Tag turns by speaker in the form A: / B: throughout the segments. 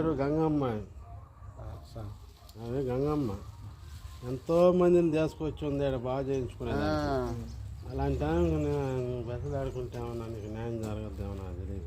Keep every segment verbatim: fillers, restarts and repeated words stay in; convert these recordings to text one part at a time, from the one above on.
A: పేరు గంగమ్మ. అదే గంగమ్మ ఎంతో మందిని తీసుకొచ్చి ఉంది బాగా చేయించుకునేది. అలాంటి బెసలాడుకుంటామన్నా నీకు న్యాయం జరగద్దేమో నాకు తెలియదు.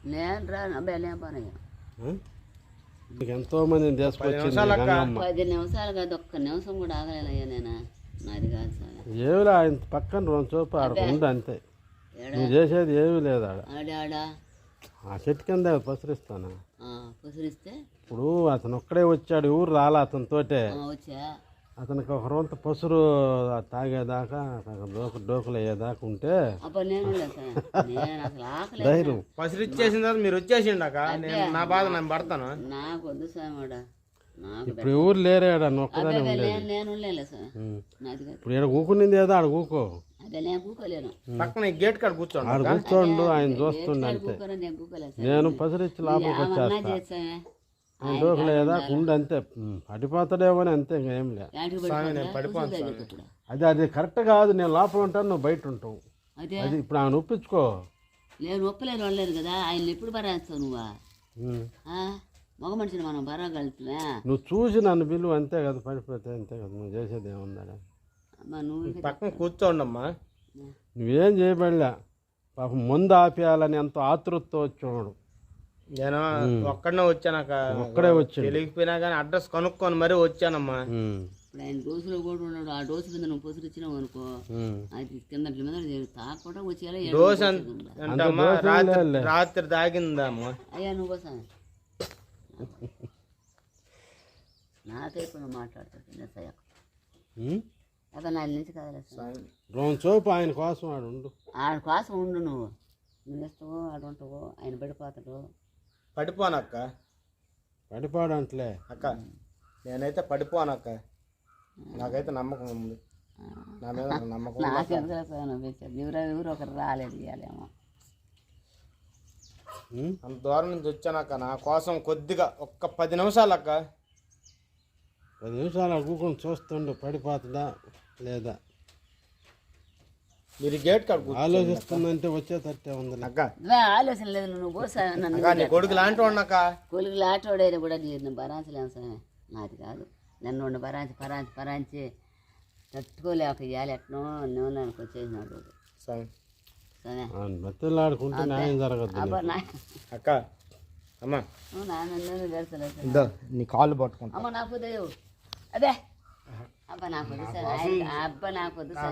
A: నీకు ఎంతో మందిని తీసుకొచ్చింది
B: పది నిమిషాలు కాదు, ఒక్క నిమిషం కూడా ఆగలేదయ్యా నేను. నాది కాదు సార్.
A: ఏమిలే ఆయన పక్కన రెండు చూపు ఆడ ఉంది అంతే. నువ్వు చేసేది ఏమీ లేదు ఆడ.
B: ఆడా
A: ఆ చెట్టు కింద పసరిస్తాను.
B: పసరిస్తే
A: ఇప్పుడు అతను ఒక్కడే వచ్చాడు, ఊరు రాలా అతనితోటే.
B: వచ్చా
A: అతనికి ఒక రొంత పసురు తాగేదాకా డోకు డోకులు అయ్యేదాకా ఉంటే ధైర్యం.
C: పసురు ఇచ్చేసిన తర్వాత మీరు వచ్చేసిండాక నా బాధ నేను పడతాను.
B: నాకు వద్దు సార్.
A: ఇప్పుడు ఎవరు లేరేడ ఒక్కదానే ఉండేది. ఇప్పుడు ఇక్కడ కూకునింది ఏదో ఆడ కూకో.
C: పక్కన గేట్ కాడ కూర్చోండి.
A: ఆడ కూర్చోండు, ఆయన చూస్తుండే అంతే. నేను పసురిచ్చి లోపలికి వచ్చేస్తా. డోకులు అయ్యేదాకా ఉండి అంతే. పడిపోతాడేమో అని అంతే, ఇంకేం లేదు. అది అది కరెక్ట్ కాదు. నేను లోపల ఉంటాను, నువ్వు బయట ఉంటావు. అది ఇప్పుడు ఆయన ఒప్పించుకో.
B: నేను ఒప్పలేని వాళ్ళలేదు కదా, ఆయన ఎప్పుడు బరాస్తావు నువ్వా? మగ మనిషిని మనం బరాగలుగుతున్నా.
A: నువ్వు చూసి నన్ను బిల్లు అంతే కదా, పడిపోతే అంతే కదా. నువ్వు చేసేది ఏముందా?
B: నువ్వు
C: పక్కన కూర్చోండమ్మా.
A: నువ్వేం చేయబడలే. పాపం ముందు ఆపేయాలని ఎంతో ఆతృతతో వచ్చాడు.
C: నేను ఒక్కడనే వచ్చానక్క.
A: ఒక్కడే వచ్చి
C: తెలియకపోయినా కానీ అడ్రస్ కనుక్కొని మరీ వచ్చానమ్మా.
B: ఇప్పుడు ఆయన డోసులో కూడా ఉన్నాడు. ఆ డోసు మీద నువ్వు పొసులు ఇచ్చినావు అనుకో, అది కింద మీద తాకుండా వచ్చేయాలి.
C: డోసు అంటమ్మా రాత్రి రాత్రి తాగిందమ్మా.
B: అయ్యా నువ్వు కోసం నాకైపు నువ్వు మాట్లాడుతావు అక్కడ నాలుగు నుంచి కదలేదు.
A: రెండు చూపు ఆయన కోసం ఆడు ఉండు.
B: ఆయన కోసం ఉండు. నువ్వు నువ్వు ఇస్తావు, ఆడు ఉంటావు. ఆయన పడిపోతాడు.
C: పడిపోనక్క.
A: పడిపోడు అంటలే
C: అక్క. నేనైతే పడిపోనక్క. నాకైతే నమ్మకం ఉంది. నా మీద నమ్మకం.
B: నాకెందుకు ఎవరు ఎవరు ఒకరు రాలేదు ఇవ్వాలేమో.
C: అంత దూరం నుంచి వచ్చానక్క. నా కోసం కొద్దిగా ఒక్క పది నిమిషాలు అక్క.
A: పది నిమిషాలు కూకొని చూస్తుండు పడిపోతుందా లేదా.
C: మీరు గేట్ కాడ
A: ఆలోచిస్తుందంటే వచ్చేటట్టే ఉంది
B: అక్క. ఆలోచన లేదు. నువ్వు పోసా
C: కొడుకు లాంటి వాడినక్క.
B: కొడుకు లాంటి వాడైనా కూడా నేను బరాంచలేను సార్. నాది కాదు. నన్ను ఉండి బరాంచి పరాంచి పరాంచి తట్టుకోలేక ఇవ్వాలి. ఎట్నో నూనెకి వచ్చేసినాడు.
C: సరే
A: బతిలాడుకుంటే న్యాయం జరగదు
C: అక్క. అమ్మా
B: తెలుసలేదు.
C: నీ కాళ్ళు పట్టుకుంటా.
B: అమ్మ నాకు అదే అబ్బా నాకు వద్దు సార్. అబ్బా నాకు వద్దు సార్.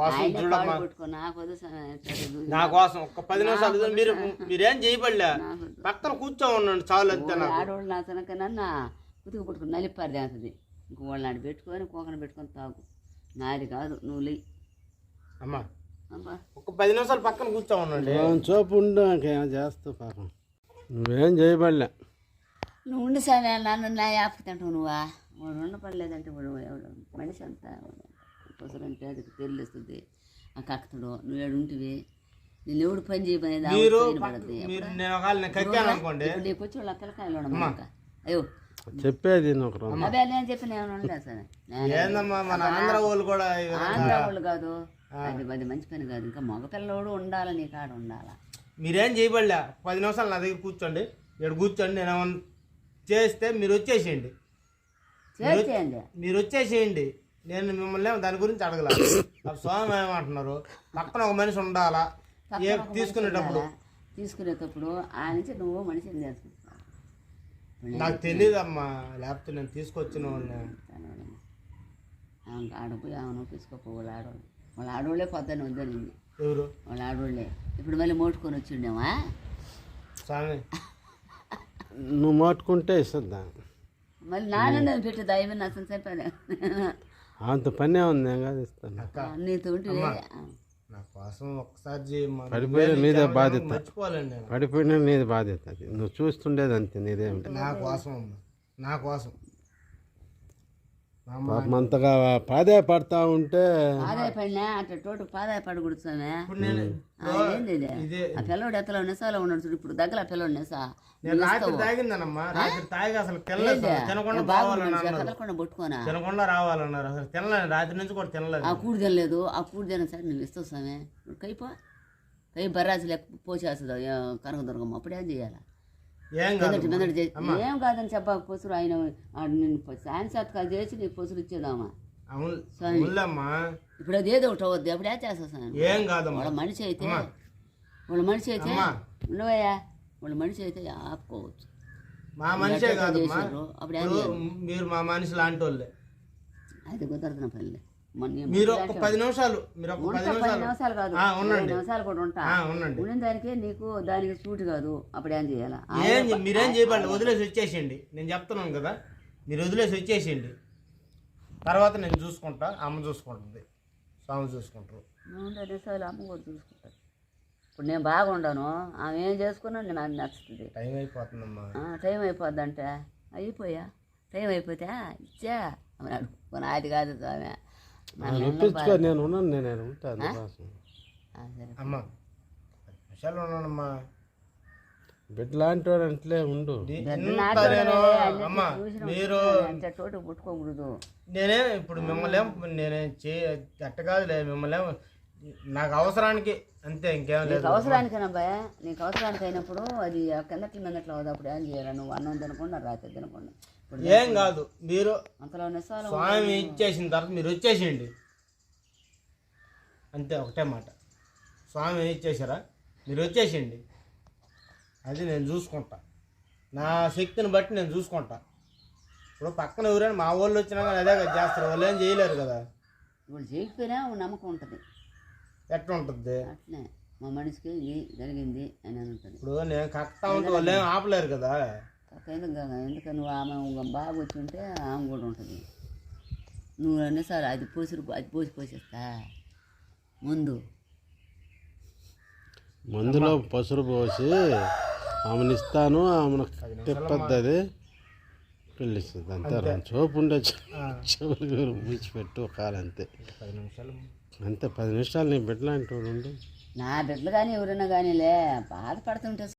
C: నా కోసం ఒక్క పది నిమిషాలు మీరు మీరేం చేయబడలే. పక్కన కూర్చో ఉండండి చాలు అంతే.
B: ఆడవాళ్ళు నా తనకన్నా ఉతుకు పట్టుకుని నలిపారు చేస్తుంది. ఇంక వాళ్ళు నాడు పెట్టుకొని కోకన పెట్టుకొని తాగు. నాది కాదు. నువ్వు లే
C: అమ్మా. ఒక పది నిమిషాలు పక్కన కూర్చో ఉండండి.
A: చూపు ఉండు. ఇంకేం చేస్తావు పాపం. నువ్వేం చేయబడలే.
B: నువ్వు ఉండి సార్. నన్ను నా యాప్కి తింటావు నువ్వా? వాడు ఉండపడలేదంటే వాడు ఎవడు మనిషి అంతా పొసరంటే అది తెలియస్తుంది. ఆ కక్కుతాడు. నువ్వు ఏడు ఉంటివి. నేను ఎవడు పని చేయబోయేది పడుతుంది. నీకు వచ్చి వాళ్ళు పిల్లకాయలు ఉండమాక. అయ్యో
A: చెప్పేది
B: అదే నేను చెప్పిన ఏమైనా ఉండలేదు సార్.
C: ఆంధ్ర వాళ్ళు కూడా
B: ఆంధ్ర వాళ్ళు కాదు. అది అది మంచి పని కాదు. ఇంకా మగ పిల్లవాడు ఉండాలి. నీ కాడ ఉండాలా.
C: మీరేం చేయబడలే. పది నిమిషాలు నా దగ్గర కూర్చోండి. ఇక్కడ కూర్చోండి. నేను ఏమన్నా చేస్తే మీరు వచ్చేసేయండి. మీరు వచ్చేసేయండి. నేను మిమ్మల్ని దాని గురించి అడగల. స్వామి ఏమంటున్నారు, పక్కన ఒక మనిషి ఉండాలా తీసుకునేటప్పుడు.
B: తీసుకునేటప్పుడు ఆ నుంచి నువ్వు మనిషిని చేసుకుంటావు.
C: నాకు తెలియదు అమ్మా. లేకపోతే నేను తీసుకొచ్చిన వాళ్ళని
B: ఆడపోయి ఆమెను తీసుకోపోవాలి. ఆడవాళ్ళు వాళ్ళ ఆడవాళ్ళే పొద్దున్న వద్దని.
C: ఎవరు
B: వాళ్ళ ఆడవాళ్ళే. ఇప్పుడు మళ్ళీ మోటుకొని వచ్చిండేమా
C: స్వామి.
A: నువ్వు మోటుకుంటే ఇస్తుందా
B: మళ్ళీ నాన్న పెట్టి దయమే అసలు చెప్పాను.
A: అంత పనే ఉంది. కాదు ఇస్తాను.
B: నీతో
C: నా కోసం ఒకసారి
A: పడిపోయిన నీదే బాధ్యత.
C: మర్చిపోవాలండి.
A: పడిపోయినా నీది బాధ్యత. అది నువ్వు చూస్తుండేది అంతే. నీదేమి
C: నా కోసం నా కోసం
A: పాపం అంతగా పాదే పడతా ఉంటే
B: పాదే పడినా అట్లా తోట పాదే పడకూడదు. ఏంది ఆ పిల్లవాడు ఎత్తలో నెసాలో ఉన్నాడు చూడు. ఇప్పుడు దగ్గర ఆ పిల్లవాడు నెసా
C: తాగిందనమ్మా. రాత్రి తాగి అసలు
B: కదలకుండా పట్టుకోనా
C: తినకుండా రావాలన్నారు. అసలు తినలేదు. రాత్రి నుంచి కూడా తినలేదు.
B: ఆ కూడి తినలేదు. ఆ కూడి తిన సార్ నువ్వు ఇస్తావు సామే. కైపో కై బర్రాజు లేక పోసేస్తుంది కనకదుర్గమ్మ. అప్పుడేం చేయాలా?
C: ఏం కాదు
B: మెదడు మెదడు చేసి ఏం కాదని చెప్పక పొసురు ఆయన ఆ నేను సాయన్సత్కాలు చేసి నీకు పొసురు ఇచ్చేదామా
C: అవును అవునులేమ్మా.
B: ఇప్పుడు అది ఏదో ఒకటి అవద్దు అప్పుడు ఏం చేస్తాను
C: ఏం కాదమ్మా.
B: వాళ్ళ మనిషి అయితే వాళ్ళ మనిషి అయితే ఉండవయ్యా వాళ్ళ మనిషి అయితే ఆపుకోవచ్చు.
C: మా మనిషే కాదమ్మా,
B: అప్పుడు
C: ఇప్పుడు మీరు మా మనిషి లాంటి వాళ్ళే.
B: అది కుదరదు పల్లె
C: మీరు ఒక పది నిమిషాలు మీరు ఒక పది
B: పది
C: నిమిషాలు
B: నిమిషాలు కాదు
C: ఆ,
B: ఇరవై
C: ఉండండి
B: నిమిషాలు కూడా ఉంటా
C: ఆ, ఉండండి.
B: ఉండిన దానికి నీకు దానికి సూట్ కాదు అప్పుడు ఏం చేయాలా
C: ఏం చే- మీరేం చేయబడి వదిలేసి వచ్చేసేయండి. నేను చెప్తున్నాను కదా, మీరు వదిలేసి వచ్చేసేయండి. తర్వాత నేను చూసుకుంటా, అమ్మ చూసుకుంటుంది, స్వామి చూసుకుంటారు.
B: ఉండే నిమిషాలు అమ్మ కూడా చూసుకుంటారు. ఇప్పుడు నేను బాగుండాను ఆమె ఏం చేసుకున్నా నేను అది నచ్చుతుంది.
C: టైం అయిపోతుందమ్మా.
B: ఆ, టైం అయిపోద్ది అంటే అయిపోయా టైం అయిపోతే ఇచ్చా అన్నాడు. కొన్ని అది కాదు స్వామి నన్ను
A: ఒప్పించుకో, నేను ఉన్నాను, నేను ఉంటాను అందుకోసం.
B: ఆ, సరే
C: అమ్మ పది నిమిషాలు ఉన్నానమ్మా.
A: బిడ్డ లాంటి వాడు అంటలే ఉండు.
C: ఇంత నేను అమ్మ మీరు
B: అంటే చోటు పుట్టుకోకూడదు.
C: నేనే ఇప్పుడు మిమ్మల్ని ఏం నేనే చే అట్ట కాదులే, మిమ్మల్ని ఏం నాకు అవసరానికి అంతే, ఇంకేం లేదు.
B: నీకు అవసరానికైనా భయ నీకు అవసరానికి అయినప్పుడు అది ఆ కిందట్లు మిందట్లు అవుతుంది. అప్పుడు ఏం చేయాలి నువ్వు అన్నం తినకుండా రాత్రి తినకుండా ఇప్పుడు
C: ఏం కాదు. మీరు
B: అంతలో నిస్సాలు
C: స్వామి ఇచ్చేసిన తర్వాత మీరు వచ్చేసేయండి అంతే, ఒకటే మాట. స్వామి ఇచ్చేసారా మీరు వచ్చేసేయండి, అది నేను చూసుకుంటా. నా శక్తిని బట్టి నేను చూసుకుంటా. ఇప్పుడు పక్కన ఎవరైనా మా వాళ్ళు వచ్చినా కానీ అదే కదా చేస్తారు, వాళ్ళు ఏం చేయలేరు కదా.
B: ఇప్పుడు చేయకపోయినా ఒక నమ్మకం ఉంటుంది.
C: ఎట్లా ఉంటుంది
B: అట్లే మా మనిషికి ఇది జరిగింది అని అని ఉంటుంది.
C: ఇప్పుడు నేను కక్తా ఉంటే వాళ్ళు ఏం ఆపలేరు కదా.
B: కాక ఎందుకు కాక ఎందుకని నువ్వు ఆమె ఒక బాగా వచ్చి ఉంటే ఆమె కూడా ఉంటుంది. నువ్వు అన్నిసార్లు అది పోసి అది పోసి పోసేస్తా ముందు
A: మందులో పసురు పోసి ఆమెను ఇస్తాను, ఆమెను తిప్పద్ది, అది పెళ్ళిస్తుంది అంతే. చూపు ఉండే చెవులు మూచిపెట్టు కాలంతే,
C: పది నిమిషాలు
A: అంతే. పది నిమిషాలు నీ బిడ్డ లాంటి వాడు ఉండు.
B: నా బిడ్డలు కానీ ఎవరైనా కానీలే బాధపడుతుంటే